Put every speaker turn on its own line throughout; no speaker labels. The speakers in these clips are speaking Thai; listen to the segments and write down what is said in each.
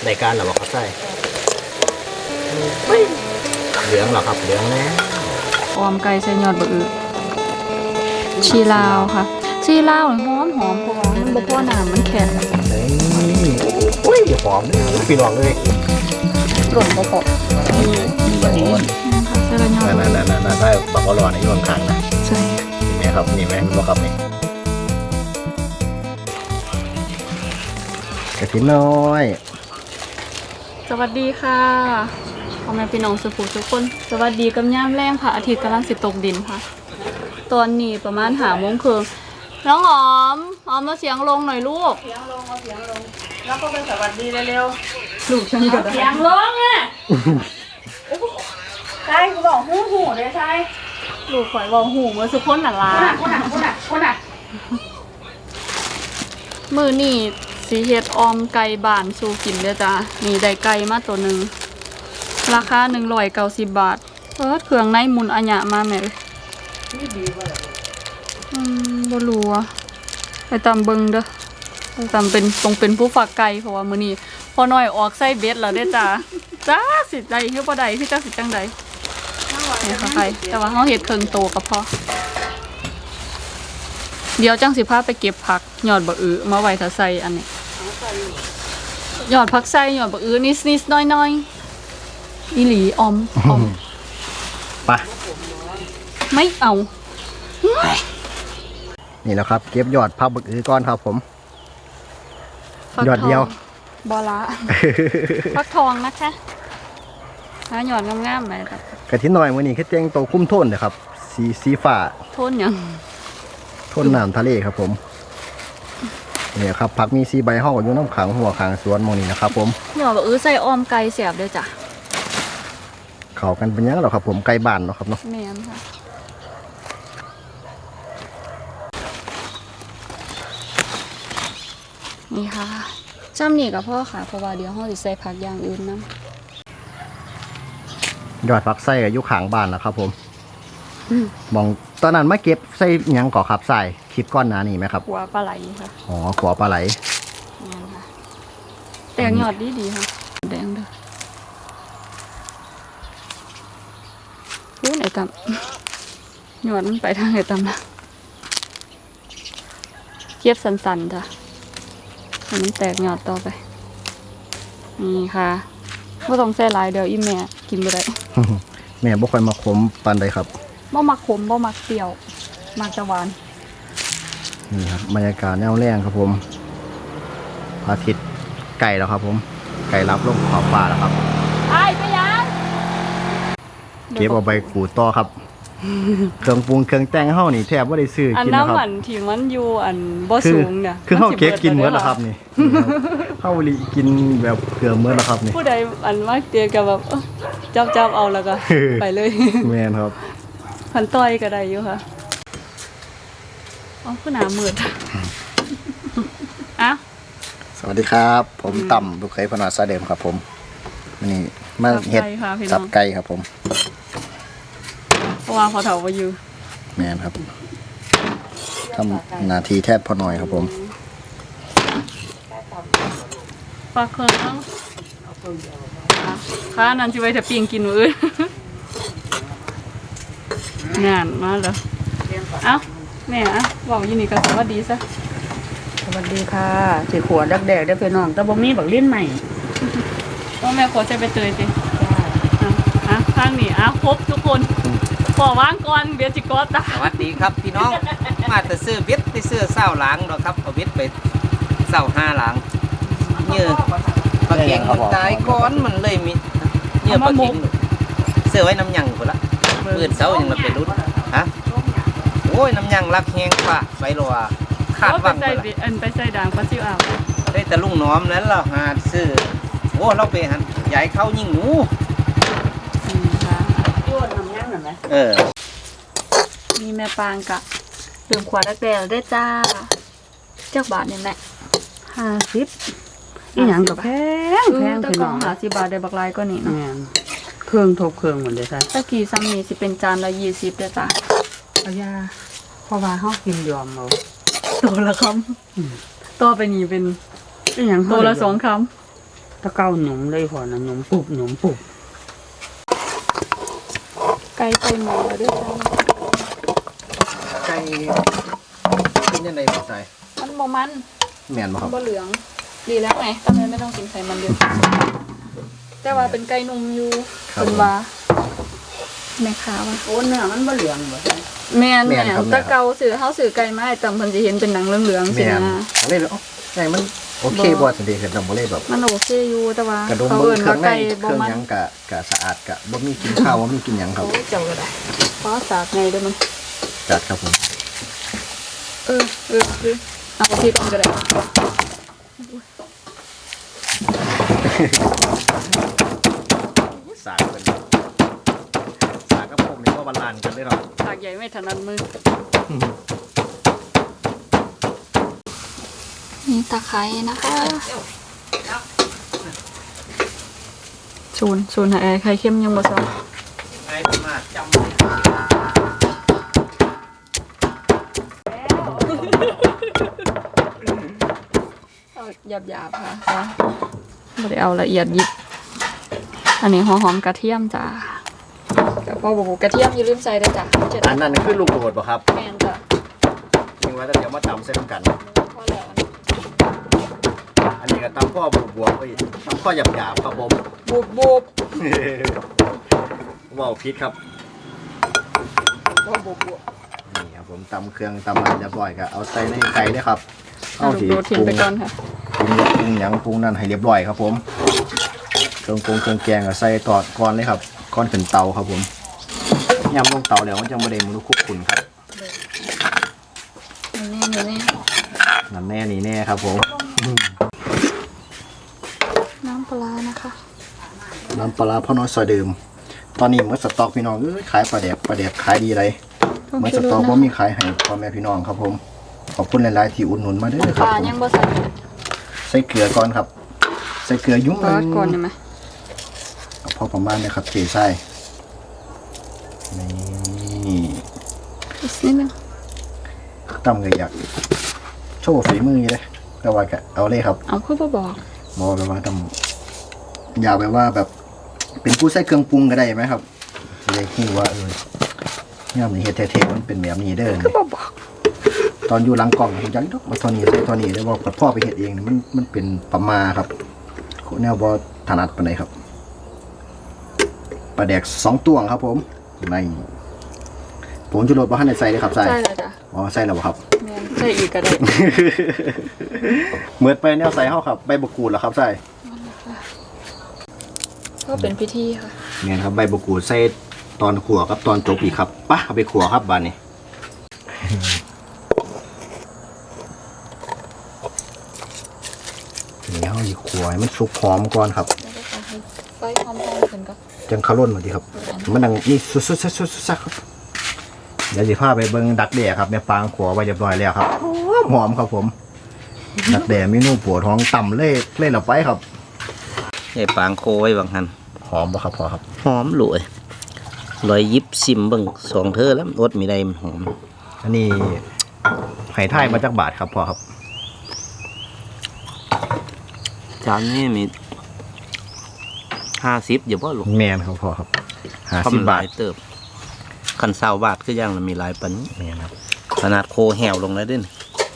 ในการหรอครับใช่เหลืองเหรอครับเหลืองแล้ว
ออมไก่ใส่ยอดบะอือชีลาวค่ะชีลาวหอมเพราะว่ามันบ่พอน้ำมันแข็ง
นี่อุ้ยหอมพี่น้องเลย
หล่นบ่พอ
มีใบอ่อน
ใส่ละยอด
นั่นใช่บักอร่อยอยู่ข้างๆนะ
ใช่
นี่ไหมครับนี่ไหมมันบอกครับนี่กระถิ่นน้อย
สวัสดีค่ะพ่อแม่พี่น้องสุภูทุกคนสวัสดีกับย่ามแรงค่ะอาทิตย์กำลังสิตกดินค่ะตอนนี้ประมาณ5 โมงครึ่งน้องหอมมาเสียงลงหน่อยลูก
เสียงลงแล้วก็เป็นสวัสดีเร็ว
ๆลูกฉันก็
เสียงลงอ่ะใช่กูบอกหูเลยใช่
ลูกข่อยบอกหูมาสุคนน่ะล่ะ
คนอ่ะ
มื้อนี้สิเฮ็ดออมไก่บ้านสู่กินเด้อจ้านี่ได้ไก่มาตัวนึงราคา190 บาทเครื่องในหมุนอัญญะมาแม่
นี่ดีว่ะ
บ่รู้อ่ะไปตามเบิ่งเด้อไปตามเป็นผู้ฝากไก่เพราะว่ามื้อนี้พอน้อยออกใส่เบ็ดแล้วเด้อจ้าจ้าสิได้คือบ่ได้คือจักสิจังได๋เนี่ยค่ะไก่แต่ว่าเฮาเฮ็ดเครื่องโตก็พอเดี๋ยวจังสิพาไปเก็บผักยอดบะอือมาไว้ถ้าใส่อันนี้ยอดผักใส่ยอดบะอือนิดๆน้อยๆอีหลีออม
ไป
ไม่เอา
นี่แล้วครับเก็บยอดผักบักอือก้อนครับผมยอดเดียว
บอละฟักทองนะคะหาหยอดงามๆไหมครับ
กระถิ่นน้อยมื้อนี้คือแต่งโตคุ้มโทนเลยครับสีฟ้า
โทนหยัง
โทนน้ำทะเลครับผมเนี่ยครับผักมี4 ใบห่ออยู่น้ำขังหัวขังสวนมองนี้นะครับผม
หยอดบะอือใส่ออมไก่เสียบด้วยจ้ะ
เข้ากันเป็นยังหรอครับผมไก่บ้านเนาะครับเนาะ
แม่นค่ะนี่ค่ะจ้ำนี่กับพ่อค่ะเพราะว่าเดี๋ยวห้องสิใส่ผักอย่างอื่นนะ
ยอดผักไส้กับยุขางบ้านแล้วครับผมมองตอนนั้นมาเก็บไส้ยังก่อขับใส่คลิปก้อนหนานี่ไหมครับ
ขัวปลาไหลค่ะ
อ๋อขัวปลาไหล
นี่ค่ะแตงยอดดีค่ะแดงเด้อพูดไหนตำยอดมันไปทางไหนตำนะเก็บสันๆจ้ะมันแตกยอดต่อไปนี่ค่ะไม่ต้องใส่หลายเดี๋ยวอีแม่กินไปได้
แม่บ่ค่อยมาขมปานใดครับ
บ่มักขมบ่มักเปรี้ยวมักจะหวาน
นี่ครับบรรยากาศแนวแรงครับผมพระอาทิตย์ไก่แล้วครับผมไก่รับลงขอบฟ้าแล้วครับ
ไอ้ไปยัง
เก็บเอาไปขูดต่อครับเครื่องปรุงเครื่องแต่งเฮานี่แทบบ่ได้ซื้อกินนะครับอัน
น้ำมันที่มันอยู่อันบ่สูงเนี่ย
คือเฮาเก็บกินหมดแล้วครับนี่เฮาลิกินแบบเกลือหมดแล้วครับนี่
ผู้ใดอันมักเตียก็แบบจับเอาแล้วก็ไปเลย
แม่นครับ
พันต้อยก็ได้อยู่ค่ะอ๋อคือหนามืดอ่ะ
สวัสดีครับผมต่ำลูกเคยพนาซาเดิมครับผมนี่มาเฮ็ดสับไก่ครับผม
เพราะว่าพอเถาไปอยู่
แม่นครับทำนาทีแทบพอหน่อยครับผม
ปลาเคืองข้านั่นที่ไว้ถ้าปิ้งกินมื้องานมาแล้วเอ้าแม่อ่ะบอกยินดีกับสวัสดีซะ
สวัสดีค่ะสีขวดแดกได้ไปน้องแต่บ่มีบักลิ้นใหม่
ต้องแม่ขอใช้ไปเตยสิข้างนี้ครบทุกคนขอว่างก่อนเบียร์จิกอต
สวัสดีครับพี่น้องมาแต่ซื้อเบ็ดไปซื้อเศร้าหลังดอกครับเอาเบ็ดไปเศร้า5 หลังเนื้อปลาเก่งมันตายก้อนมันเลยมีเนื้อปลาเก่งเสื้อไว้น้ำยังหมดละเมื่อเช้ายังมาเป็นรุ่นฮะโอ้ยน้ำยังรักแห้งฝ่าไฟรัวขาดวัง
ไปใส่ด่างปลาซิวอ่าว
ได้แต่ลุงน้อมนั้นเราหาซื้อโอ้เราไปหันใหญ่เข้ายิ่งหนู
มีแม่ปางกะดื่มขวดแดงได้จ้าเจ้าบาทเนี่ยแม่
50อีหยังกับแพง
พี่น้อง50 บาทได้บักลายก็นี่เนาะ
เครื่องทบเครื่องหมดเลยค่ะ
ตะกี้ซ้ำนี่สิเป็นจานละ20ได้จ้า
เอายาเพราะว่าเฮากินยอมเอา
ตัวละคำตัวไปนี่เป็น
อีหยัง
ตัวละ2 ค
ถ้าเก้าหนุ่มเลยพอนะหนุ่มปุบหนุ่มปุบ
ไก่ไปหมอแล้วด้วยจ้า
ไก่เป็นยังไงบ่ใส่
มันบ่มัน
แม่นบ่ครับ
บ่เหลืองดีแล้วไงตอนนี้ไม่ต้องกินไขมันเยอะแต่ว่าเป็นไก่นุ่มอยู่เป็นว่าแม่ค้าว่า
โอ้เนื้อมันบ่เหลืองบ่ใช่
แม่นตะเกาสื่อเฮาสื่อไก่มาให้ตำเพิ่นสิเห็นเป็นหนังเหลืองๆสิ
แม่น
นะ
เลยเอ้าไก่มันโอเคบ่สันดีคือดำบ่เลยแบบ
มันโอเคอยู่แต่ว่าก
ระดม
เขา
เบิ่
เอิ้
ง
น
เครื่
ว่า
องใน
ไก่
เค
บ่
รื่อง
มัน
หยังกะสะอาดกะบ่มีกินข้าวบ่มีกินหยังครับ
โอ้ยเจ้าก็ได้เพราะสากไงเด้อมัน
จัดครับผม
เอาที่ตรงก็ได้
สากเป็นสากกับผมนี่ก็บาลานซ์กันเลยครับ
สากใหญ่ไม่ถนัดมือนี่ตะไคร้นะคะศูนย์หาไข่เค็มยังบ่ซ้อ
ไอ้ประมาทจำ
เอาหยาบๆค่ะไม่ได้เอาละเอียดยิบอันนี้หัวหอมกระเทียมจ้ากับพอบอกกระเทียมอย่าลืมใส่ด้วยจ้ะเจ็ด
อันนั้นคือลูกโดดป่ะครับ
แมนจ้ะ
ยิงไว้แล้วเดี๋ยวมาตำเส้นกัน
พอแล้ว
อันนี้ก็ตำข้อบวบๆไปตำข้อหยาบๆครับผม
บูบ
ว้าวพิษครับ
พอบูบ
นี่ครับผมตำเครื่องตำอะไรเรียบร้อยก็เอาใส่ในไก่เลยครับ
เอาลูกโดดทิ้งไปก่อนค่ะ
ปรุงหยังปรุงนั่นให้เรียบร้อยครับผมเครื่องแกงก็ใส่ตอดก่อนเลยครับก่อนขึ้นเตาครับผมยำลงเตาแล้วมันจะไม่ได้มันคุกขุ่นครับ
นี่
นั่นแน่นี่แน่ครับผม
น้ำปลานะคะ
น้ำปลาร้าพ่อน้อยซอยเดิม ตอนนี้เมื่อสต็อกพี่น้องขายปลาแดกขายดีเลยเมื่อสต็อกว่ามีขายให้พ่อแม่พี่น้องครับผมขอบคุณหลายๆที่อุดหนุนมาเด้อค
ป
รับ
ลา
ผม
ยังบ่ใส่
ใส่เกลือก่อนครับ ใส่เกลือยุ่ง
ปลาก่อนใช่ไหม
พอประมาณนะครับเทใส่นี่
อีกนิดนึง
ตำเลยอยากโชว์ฝีมือเลยแต่ว่าก็เอาเลยครับ
เอาคือบ่บอก
บอกแบบว่าอยากแบบว่าแบบเป็นผู้ใส่เครื่องปรุงก็ได้ไหมครับเลยคิดว่าเนี่ยมันเฮ็ดเท่ๆมันเป็นแบบนี้เด้อ
คือบ่บอก
ตอนอยู่หลังกล่องผมจังดอกมาเทอนี้ใส่เทอนี้ได้ว่าพ่อไปเฮ็ดเองเนี่ยมันเป็นประมาครับแนวบ่ถนัดปานใดครับปลาแดก2ตวงครับผมในผมชูรสบ่ทันได้ใส่เลยครับใส่
ใช่เลยจ้ะ
อ๋อใส่แล้วบ่ครับ
แมนใส่อีกก็ได้
เหมือนไปแนวใส่เฮาครับใบมะกรูดเหรอครับใส่
ก็เป็นพิธีค่ะ
เนี่ยครับใบมะกรูดใส่ตอนขั่วกับตอนจบอีกครับปะเอาไปขั่วครับบานนี้นี่เฮาสิขั่วให้มันสุกหอมก่อนครับ
แล้วก็ใส่ให้ไฟหอมๆขึ้นก็
จังคาร่นมาดีครับ มันดังนี่สุดๆๆๆครับเดี๋ยวสิพาไปเบิ่งดักแด่ครับแม่ปางขัวไว้เรียบร้อยแล้วครับหอมครับผม ดักแด่เมนูปวดท้องต่ำเล่เราไปครับ
ไอ้ปางโคไว้บางหัน
หอมปะครับพอครับ
หอมหลวยลอยยิบซิมเบิ่งสองเธอแล้วอดมีได้มันหอม
อันนี้ไห่ไทยมาจากบาทครับพอครับ
จานนี้มี50อย่าบ่ลูก
แมนครับพอครับ
เพราะมัน
50
ห
บา
ลา
ท
ยเติบคัน20 บาทคือยังละมีหลายปันนี้
แมนครับ
ขนาดโคแหวลงแล้วเด้น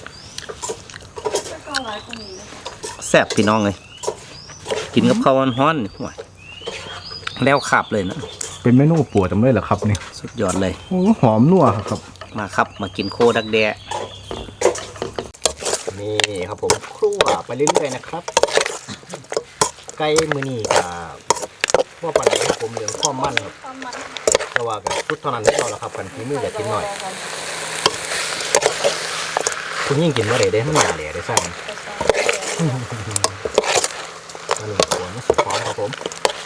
แซ่บพี่น้องเลยกินกับข้าวร้อนๆนี่ห่วยแล้วขับเลยนะ
เป็นเมนูปวดจำเลยเหรอครับนี่
สุดยอดเลย
โอ้หอมนัวครับ
มาครับมากินโคดักแดะ
นี่ครับผมครัวไปเรื่อยๆนะครับไก่มือนี่กับว่าปันไหนครับผมเหลืองข้อมมั่นครับแต่ว่ากับชุดเท่านั้นไม่เอาละครับกันที่มืออย่าทิ้งหน่อยคุณยิ่งกินว่าได้มันหนาเหล่ได้ใช่ไหมอันนี้หัวมันสุดพร้อมครับผม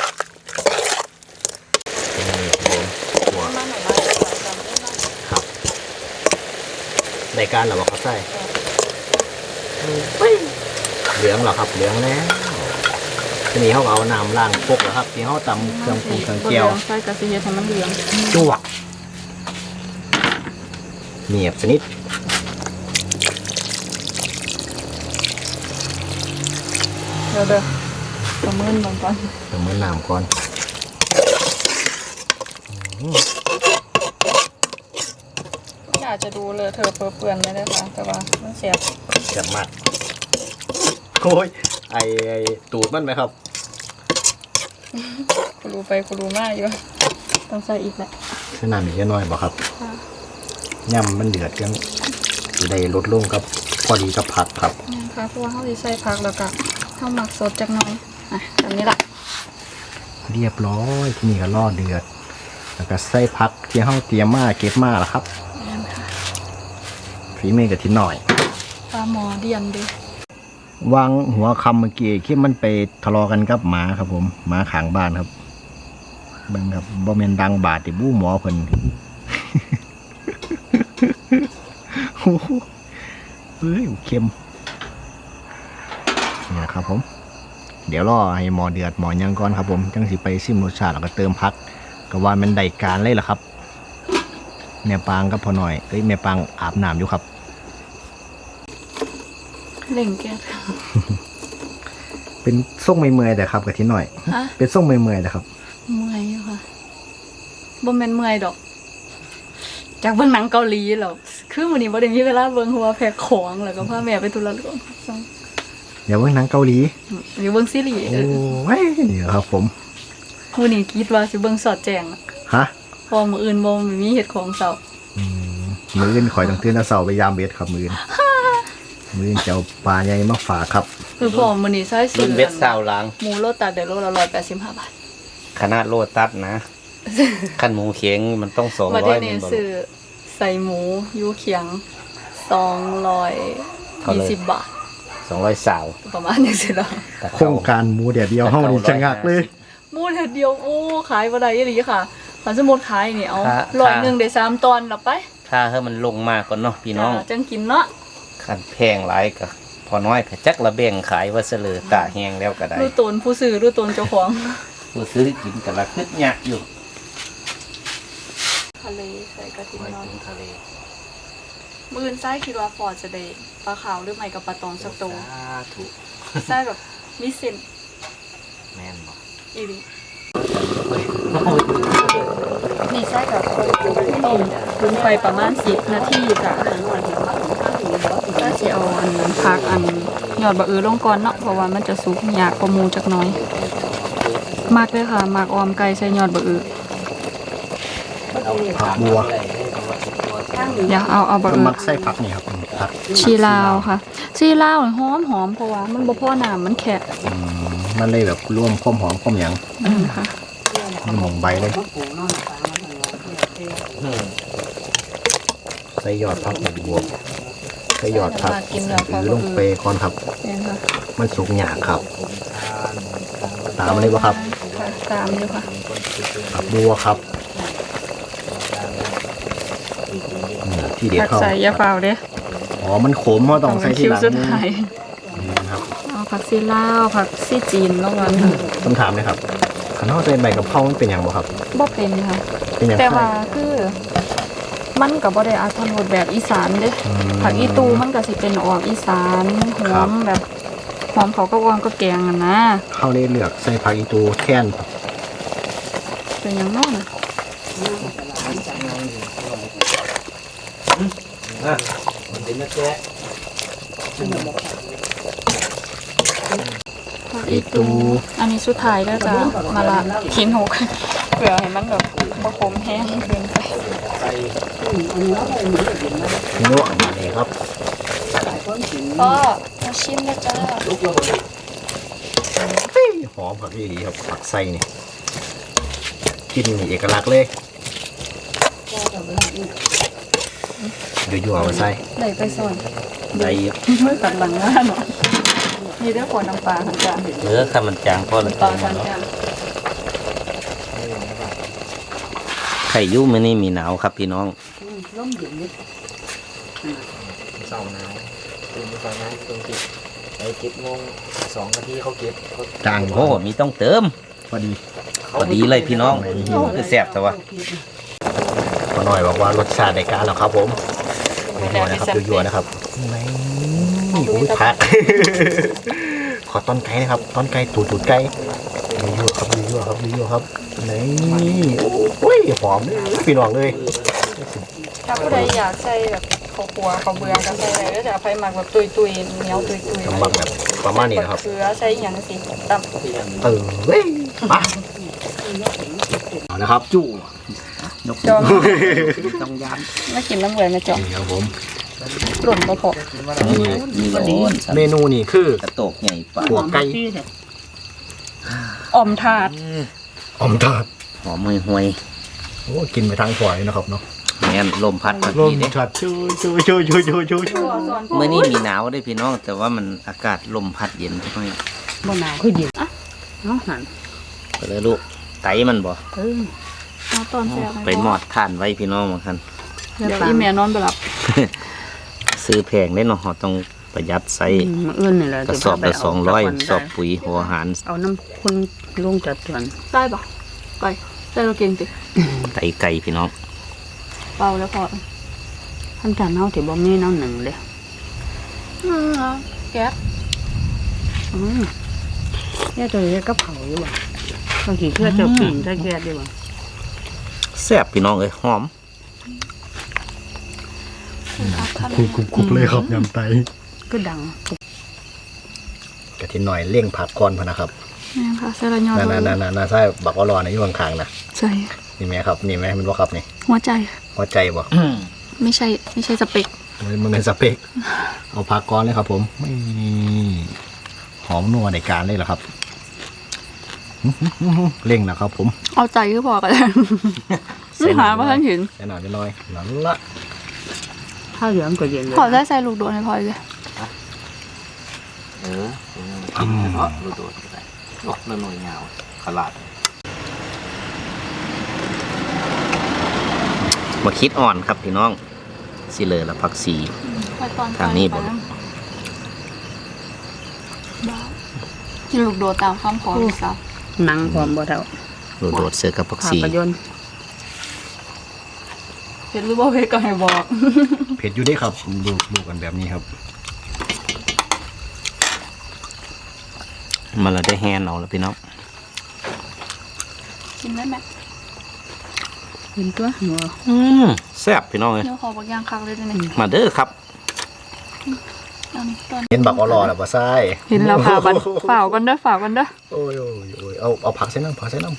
นี่ครับผมหัวครับในการเหรอครับใช่เหลืองเหรอครับเหลืองแล้วทีนี้เขาเอาน้ำล้างพวกเหรอครับที่เขาตำเครื่องปรุงเครื่องเจียว
ใส่กระเทียมให้มันเหลือง
จวกเนียบสนิท
เดี๋ยวประเมินบางก่อน
เติมน้ำก่อน
อยากจะดูเลยเธอเปื้อนไม่ได้ค่ะแต่ว่ามันเสียบ
เจ็บมากโอ้ยไอตูดมันไหมครับ
กูรู้ไปกูรู้มากอยู่ต้องใส่อีกแหละ
ใช้น้ำอีกน้อยบ่ครับ
ค่ะ
ย่ำมันเดือดยังสิได้ลดลงกับพอดีกับผักครับ
นี่ค่ะเพราะว่าเขาจะใส่ผักแล้วก็ข้าวหมักสดจากหน้อยอ่ะแบบนี้แหละ
เรียบร้อยที่นี่ก็รอเดือด แล้วก็ใส่ผักที่เฮาเตรียมมาเก็บมาแล้วครับฝีมือกับที่หน่อย
ปลาหมอเดียนดิ
วางหัวคำเมื่อกี้คิดมันไปทะเลาะกันกับหมาครับผมหมาขางบ้านครับเบิ่งครับบ่แม่นดังบาดติบู้หมอเพิ่น โอ้โหเฮ้ยเค็มนี่นะครับผม เดี๋ยวรอให้หมอเดือดหมอยังก่อนครับผมจังสิไปซิมรสชาติแล้วก็เติมพักก็ว่ามันได้การเลยล่ะครับแม่ปางกับพ่อหน่อยแม่ปางอาบน้ำอยู่ครับ
เล่งแก้
เป็นส่งเมื่อยๆแต่ครับกับที่หน่อย
ฮะ
เป็นส่งเมื่อยๆแต่ครับ
เมื่อยอยู่ค่ะบ่แม่นเมื่อยดอก จากเบิ่งหนังเกาหลีหรอกคือมื้อนี้บ่ได้มีเวลาเบิ่งหัวแพ็คของแล้วก็พาแม่ไปธุระก่อน
เดี๋ยวเบิ่งหนังเกาหลี
อยู่เบิ่งซีรีส์
โอ้ยนี่ครับผม
มื้อนี้คิดว่าสิเบิ่งสอดแจ้งอะ
ฮะ
เพอมื้ออื่นบ่มีเฮ็ดของเช้า
มืออื่นข่อยต้องตื่นแต่เช้าไปยามเบ็ดครับมืออื่นมืออื่นจะเอาปลาใหญ่มาฝากครับ
คือพอมื้อนี้ใช้
รุ่
ซื้
น
อ
เบ็ดเศร้าหลัง
หมูโลตัดได้โลละ185 บาท
ขนาดโลตัสนะขั้นหมูเข็งมันต้อง200
มาได้
แม่
นี่
นบ่
ซื้อใส่หมูยูเคียง220 บาท
200สาว
ประมาณนี้สิล่ะ
แต่
โครงการหมูเดียวเดียวเฮานี่จะงักเลย
หมูเดียวโอ้ขายบ่ได้อีหลีค่ะถ้าสมมุติขายนี่เอา
ถ้า
100ได้3ตอนแล้วไป
ถ้าให้มันลงมาก่อนเนาะพี่น้อง
จังกินเนาะ
คันแพงหลายก็พอน้อยก็จักละแบ่งขายว่าเสลอตาแห้งแล้วก็ได้
รู้ตนผู้ซื้อรู้ตนเจ้าของ
ผู้ซื้อกินก็ละคึดยากอยู่
ทะเลใส่กระถิ่น
ไว้
นอน
กินทะเล
มื้ออื่นไส้คิดว่าฟอร์ดจะได้ปลาขาวหรือไม่กับปลาตองสักตัว
สาธุ
ไส้แบบมีเส้น
แม่นบ่
อีหลีนี่ไส้กับต้มคุนไฟประมาณ10 นาทีจ้ะถ้าสิเอาอันผักอันยอดบะอือลงก่อนเนาะเพราะว่ามันจะสุกยากกว่าหมูจักหน่อยมากเลยค่ะมากออมไก่ใส่ยอดบะอือ
ผักบัว
อย่าเอาบะ
ก็
อือ
มักใส่ผักนี่ครับผัก
ชีลาวค่ะชีลาวหอมหอมเพราะว่ามันบ่พอน้ำมันแค่
มันเลยแบบรวมความหอมความหยัง
ค่ะ
มันหมองใบเลยใส่ยอดผักบัวใส่ยอดผักหรือลงไปก่อนครับ
เนี่ยค่ะ
มันสุกหยากครับ ตามเลยบ่ครับ
ค่ะตามอยู่ค่ะ
ผักบัวครับที่เด็ด
ผัก
เข้า
ใส่ยาเฝ้าเด้
อ๋อมันขมเพราะต้องใส่ที่
คิว
หลัง
สุดท้าย
ครับ
เอาผักซีลาวผักซีจีนลงมาค่ะ
คำถามเลยครับขันนอกใส่ใบกะเพรามันเป็นอย่างบ่ครับ
บ่เป็นค่ะ
เป็นอย่าง
แต่
ไร
ว่าคือมันก็บ่ได้อาถรรพ์แบบอีสานเด้ผักอีตูมันก็สิเป็นออกอีสานหอมแบบหอมเขาก็วางก็แกงอ่ะนะ
เข้าเลยเลือกใส่ผักอีตูแท่น
เป็นอย่างนั้นน่ะ
มันเป็นแม่แกะ
ผักอีตูอันนี้สุดท้ายแล้วจ้ะมาละทิ้งหกเผื่อให้มันแบบบ่ขมแห้งเกินไป
พี่โน่อันนี้ครับ
พ่อมาชิมนะจ้า
หอมผักอีหลีครับผักไส้นี่กลินนี่เอกลักษณ์เลยยั่วๆเอามาใส่
ไหนไปส่วน
ได้อยู่
เมื่อตัดหลังหน้าเนาะนี่ด้วยขวดน้ำปลาค่ะจ้า
เหลือถ้ามันจางพอละ
ปลาจานจ้า
ไข่ยุ่มื้อนี้มีหนาวครับพี่น้อง
เสาร์หนาวตื่นไปนะตรงติดไป7 โมง 2 นาทีเขาเก็บเขา
จาง
โอ้มีต้องเติม
พอดี
พอดีเลยพี่น้องคือแซ่บแต่ว่า
พอหน่อยบอกว่ารสชาติในการแล้วครับผมยั่วๆนะครับยั่วๆนะครับนี่อุ้ยผักขอต้นไก่นะครับต้นไก่ตูดไก่ยั่วๆครับยั่วๆครับยั่วๆครับนี่โอ้ยหอมเลยพี่น้องเลย
ถ้าผู้ใดอยากใส่แบบข้าวคั่วข้าวเบื่อก็ใส่ได้แล้วแต่ไผมักแบบตุยๆเหนียวตุยๆ
กำบังแบบประมาณนี้นะครับ
เกลือใส่หยังสิตำ
เว้ยมาเอาละครับจู่
จอง
ต้องย้
มากินน้ำเหลืองนะจอง
นี่ครับผม
หล่นบ่พอ
ำมีก็ดี
เมนูนี่คือก
ระโตกใหญ่ปลา
หัวไก่
อ่อมถาด
อมทอด
หอมห่วย
โอ้กินไปทางฝอยนะครับเนาะ
ๆแม่นลมพัดมา
ลม
ทีเด้
ชัดชู
มื้อนี้มีหนาวเด้พี่น้อง แต่ว่ามันอากาศลมพัดเย็นจักหน่อย
บ่หนาวคือเย็นเอาหัน
ไปเลยลูกไตมันบ่
เอาตอนแซ่บ
ไปหมอดทานไว้พี่น้องบางคัน
เดี๋ยวอีแม่นอนบ่หลับ
ซื้อแพงได้เนาะเราต้องประหยัดใส่
มื้ออื่นนี่แหละ
กระสอบละ200สอบปุ๋ยหัวอาหาร
เอาน้ำคุณลงจัดส่วน
ได้ปะไก่ได้เราเก่งติ
ไตไก่พี่น้อง
เปล่าแล้วพอ
ท่านจานเฮาที่บ่มีน้ำหนึ่งเด้
แก๊ส
แค่ตัวเล็กก็เผาอยู่บ่บางทีเพื่อจะปิ่นจะแก๊สดีบ่
แซ่บพี่น้องเอ้ยหอม
คุกเลยครับยำไต
ก็ดัง
กะทิหน่อยเลี่ยงผักก่อนพะนะครับ
นี่ค่ะใส่ละยอด
น่าใช่บักอรอในอยู่ข้างๆนะ
ใส่
นี่ไหมครับนี่ไหมมันว่าครับนี่
หัวใจ
หัวใจบ่
ไม่ใช่สเปก
มันเป็นสเปกเอาผักก่อนเลยครับผมนี่หอมนัวในการเลยเหรอครับเร่งนะครับผม
เอาใจก็พอกันแล้วหาว่าท่านเห็น
แน่นอนน้อยนั่นละ
ถ้าเหลืองก็เย็นเลย
ขอได้ใส่ลูกโดดให้พอเลย
กินเนาะโดดๆก็ได้นกละหน่อยยาวขลาดมาคิดอ่อนครับพี่น้องสิเลยละผักสี ทางนี้บ่
กินลูกโดดตามคำขอพี่สาว
หนังพร้อมบ่เท่า
โดดๆเสือกับผัก
ภา
สี
พยนตร์
เผ็ดหรือว่าเผ็ดก็ให้บอก
เผ็ดอยู่เด้ครับดูกันแบบนี้ครับ
มันละได้แฮนเอาแล้วพี่น้อง
กินได้ไหม
เห็นตัวหัว
แซ่บพี่น้องเลย
เดี๋ยวขอบักย่างคักเลยด้วยนี่
มาเด้อครับ
เอานี่ตอน
เห็นบักอรอแล้วบ่ใช่
เห็นแล้วฝ่ากันฝ่ากันเด้อฝ่ากันเด้อ
โอ้ยเอาผักใส่น้ำ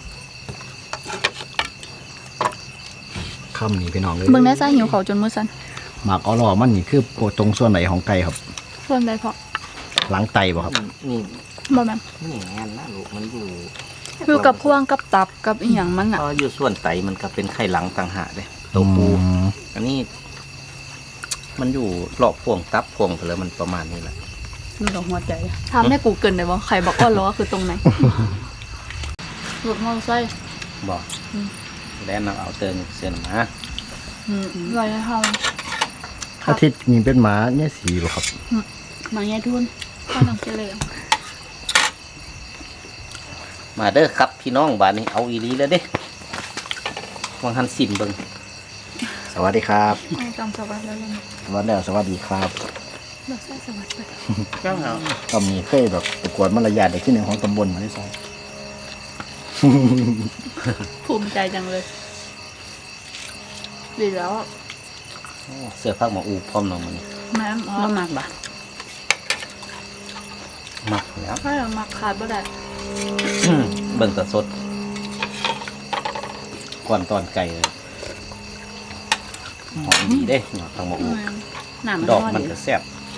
คำนี้พี่น้องเลย
เบิ่งได้ซ่าหิวเขาจนมือสั่น
หมักอรอมันนี่คือตรงส่วนไหนของไก่ครับ
ส่วนใดพอ
หลังไตบ่ครับ
นี่
บ่แม่น
นี่แฮนนะลูกมันอยู่
คือกับพวงกับตับกับอีหยังมันอ่ะ
พออยู่ส่วนไตมันก็เป็นไข่หลังต่างหากเลยตัวปู อันนี้ มันอยู่รอบพวงตับพวงไปแล้วมันประมาณนี้แหละ
นี่ดอกหัวใจ
ทำให้กูเกินได้บ่ใครบอกว่าล้อคือตรงไหนรถมอเตอร์ไซค์
บอกแล้วนำเอาเติมเส้นมา
ไรเฮา
อาทิตย์นี้เป็นหมาเนี่ยสีบ่ครับ
มาแง่ทุนข้าต้องเจริญ
มาเด้อครับพี่น้องบ้านนี้เอาอีหลีแล้วเด้วางหันสิมเบิ่ง
สวัสดีครับ
ให้จำสวัสดิ์แล้วเลย
สวัสดีครับ
เราใส่สวัสดิ์ไป
เจ้าเหรอ
ก็มีเคยแบบประกวดมารยาทเด็กที่หนึ่งของตำบลมาได้ใช่
ภูมิใจจังเลยดีแล้ว
เสื้อผ้าหมออูพร้อมน้องมัน
แม่อ๋อ
น้ำมากบ่
มักแล้ว
ถ้าเรามักขาดบ่ได้
เบิ่งแตะสดก่อนตอนไก่เลยหอมดีเด้เนาะทางหมออู
น้ำมัน
ดอก
ร้อน
มัน
ดี
ก็แซ่บ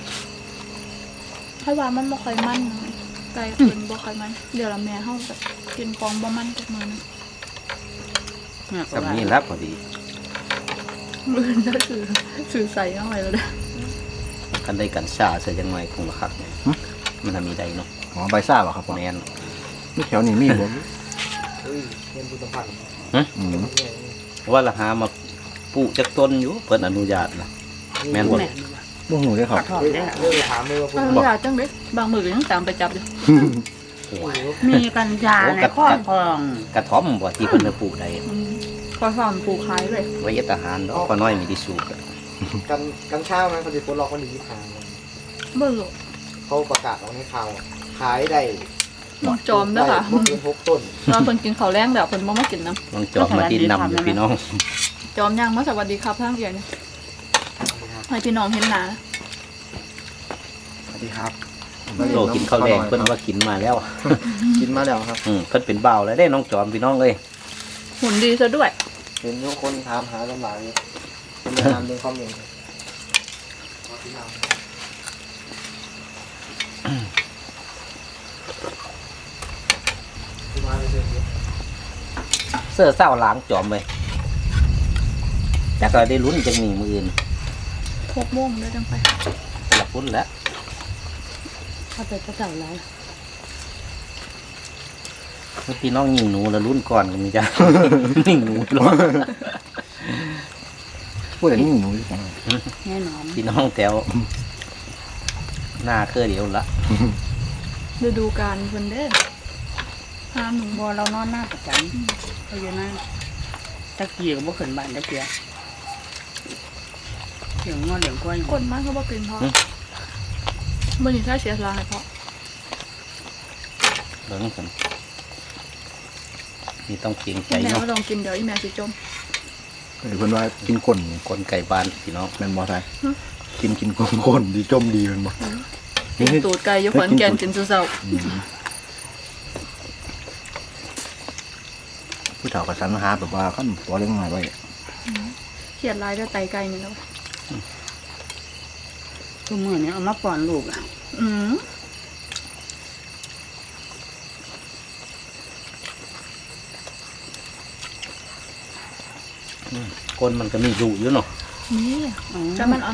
ถ้าว่ามันบ่ค่อยมันนะไก่เป็นบ่ค่อยมัน เดี๋ยวละแม่เฮาแบบกินของบ่มันจักมื้อนึง
สำนี้แล้วพอดี
มื้อนั้นสื่อใส่เอาไว้แล้วเด้อ
คันได้กันชาใส่จังหน่อยคงละคักเนี่ยมันทำมีได้เนาะ
อ๋อใบซ่าบ่ครับผม
แม่น
มีแถวนี้มีบ่
เรียนบุตรพันธ์
อืม
ว่าละหามาปลูกจากต้นอยู่เพิ่นอนุญาตนะแม่นบ่
แม่
บ่ฮู้เด้อครับ
ทอดได้
เรื่องถามเลยว่า
เอออยากจังเด้บางมื้อก็ยังตามไปจับอยู่
มีกัญชาในครอบครอง
กระท่อมบ่ที่เพิ่นจะปลูกได้
ขอสอนปลูกขายเลย
ไว้เฮ็ดอาหารเนาะก็น้อยมีที่สูบอะ
กันเช้าไหมเขาจะปลดล็อกวันที่25
เบิ่ง
เขาประกาศออกในข่าวขายได้
น้องจอมเด้อค่ะ
บ่เกิน6 ต้น
เราเพิ่นกินข้าวแรงแล้วเพิ่นบ่มากินน้
น้องจอบมาดินนำอยู่พี่น้อง
ำจอมย่างมาสวัสดีครับทางเอียเนี่ยให้พี่น้องเห็นหน้า
สวัสดีครับ
โลกินข้าวแดงเพิ่นว่ากินมาแล้ว
กินมาแล้วครับ
เพิ่นเป็นเบาวแล้วได้น้องจอมพี่น้องเอ้ย
หุ่นดีซะด้วย
เป็นทุกคนถามหาลำบากอยู่เป็นแนะนำเป็นคอมเมนต์
เสื้อเศร้าล้างจอมไปจักก็ได้ลุ้นจังมีมืออื่น
6 โมงเด้อจังไป
หลับลุ้นแล้ว
ถ้าไปก็เจ้าไร
พี่น้องยิงหนูแล้วลุ้นก่อนก็มีจ้ะ ยิงหนูรอ
พูดแต่นี่หนูอยู่ข้าง
แน่นอน
พี่น้องแถวหน้าเครือเดียวละ
ฤดูกาลเพิ่นเด้อห้ามหนู
บ่เรานอนหน้าประจำเขาอยู่หน้าตะกี้ก็บ่ขึ้นบ้านตะเกียเหลืองงอเหลืองกล้วย
คนมากเขาบ่กินเพราะมื้อนี้ถ้าเสียสละให้เพราะ
เบิ่งกันนี่ต้องเกรงใจ
แม่
เนาะ
ก็ต้องกินเดี๋ยวอีแม่สิจม
เพิ่นว่ากินก้น
คนไก่บ้านพี่น้อง
แม่นบ่ไทยกินก้นดีจมดีแม่นบ่
กินตูดไก่อยู่ขอนแก่นกินซุเช้า
ผู้เฒ่าก็สรรหาแบบว่าคั่นบ่เลี้ยงง่ายไว้
เครียดหลายเด้อไตไก่นี่แล้ว
ทุกมื้อนี้เอามาป้อนลูกอ่ะ
อืม
คนมันก็มีอยู่อยู่เนาะ
นี่
อ๋อ
จะมันอ่อน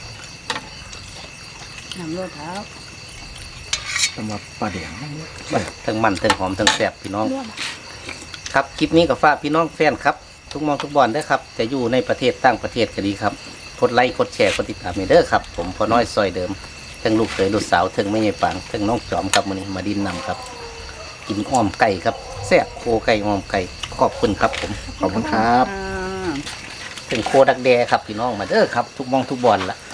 น้ำรดเท้า
สำหรับปลาแดง
ทั้งมันทั้งหอมทั้งแซ่บพี่น้อง
ๆรวด
ครับคลิปนี้ก็ฝากพี่น้องแฟนครับ ทุกมองทุกบอลเด้อครับจะอยู่ในประเทศต่างประเทศก็ดีครับกดไลค์กดแชร์กดติดตามให้เด้อครับผมพอน้อยซอยเดิมทั้งลูกเขยลูกสาวทั้งแม่ใหญ่ปางทั้งน้องจอมครับมื้อนี้มาดินนำครับ กินอ้อมไก่ครับแซ่บโคไก่อ้อมไก่ขอบคุณครับผม
ขอบคุณครับ
อ่า
ถึงโคดักแดครับพี่น้องมาเด้อครับทุกมองทุกบอลละ